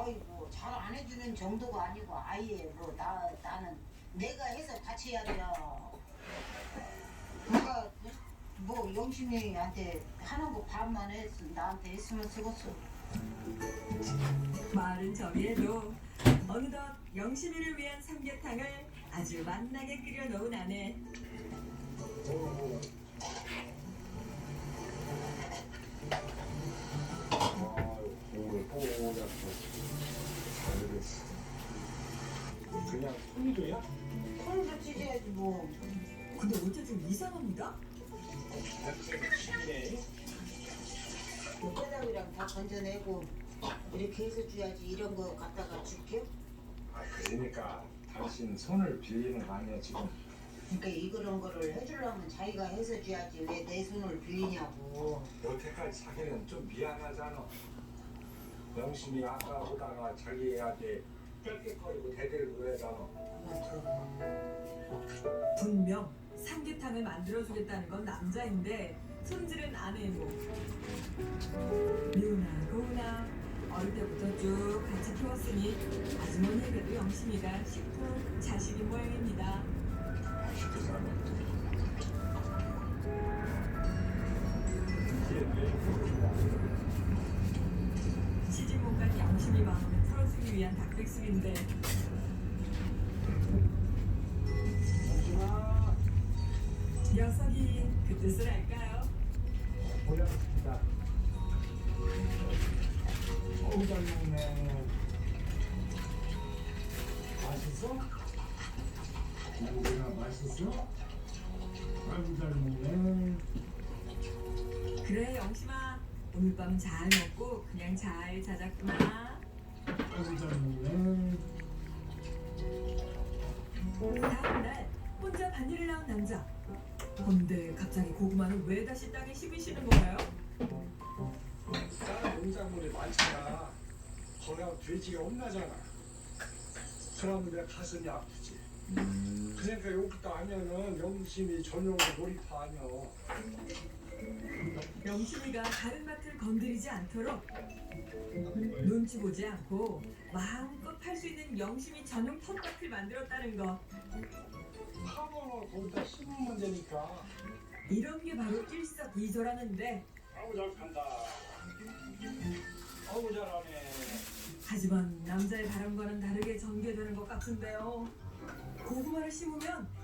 아이고 잘 안 해주는 정도가 아니고 아예 뭐 나는 내가 해서 같이 해야 돼요. 내가 뭐 영심이한테 하는 거 반만 했어. 나한테 했으면 쓰겠어. 말은 저리해도 어느덧 영심이를 위한 삼계탕을 아주 맛나게 끓여 놓은 아내. 오늘 뽀얗고 잘됐어. 그냥 손이도야? 손도 찢어야지 뭐. 근데 어째 좀 이상합니다. 뼈다귀랑 다 건져내고 이렇게 해서 줘야지. 이런 거 갖다가 줄게요. 그러니까 당신 손을 빌리는 거 아니야 지금? 그러니까 이런 거를 해주려면 자기가 해서 줘야지. 왜 내 손을 빌리냐고. 여태까지 자기는 좀 미안하잖아. 영심이 아까 오다가 자기 애한테 뺏겠거리고 대대를 그러잖아. 분명 삼계탕을 만들어주겠다는 건 남자인데 손질은 아내고. 미우나 고우나 어릴 때부터 쭉 같이 키웠으니 아주머니에게도 영심이가 식품 자식인 모양입니다. 맛있게 살아. 시집 못 간 영심이 마음을 풀어주기 위한 닭백숙인데 영심아, 녀석이 그 뜻을 알까요? 보자입니다. 어우 잘 먹네. 맛있어? 고기가 맛있어? 아이고 잘 먹네. 그래 영심아 오늘 밤은 잘 먹고 그냥 잘 자자꾸나. 아이고 잘 먹네. 다음날 혼자 반일을 나온 남자. 근데 갑자기 고구마는 왜 다시 땅에 심으시는 건가요? 쌀 농작물이 많잖아. 거기가 돼지가 혼나잖아. 그러면 내 가슴이 아프지. 그러니까 여기다 하면은 영심이 전용으로 놀이터하냐. 영심이가 다른 밭을 건드리지 않도록 눈치 보지 않고 마음껏 팔 수 있는 영심이 전용 텃밭을 만들었다는 거. 하모는 거기다 심으면 되니까. 이런 게 바로 일석이조라는데 아우 잘 간다. 아우 잘하네. 하지만 남자의 바람과는 다르게 전개되는 것 같은데요. 고구마를 심으면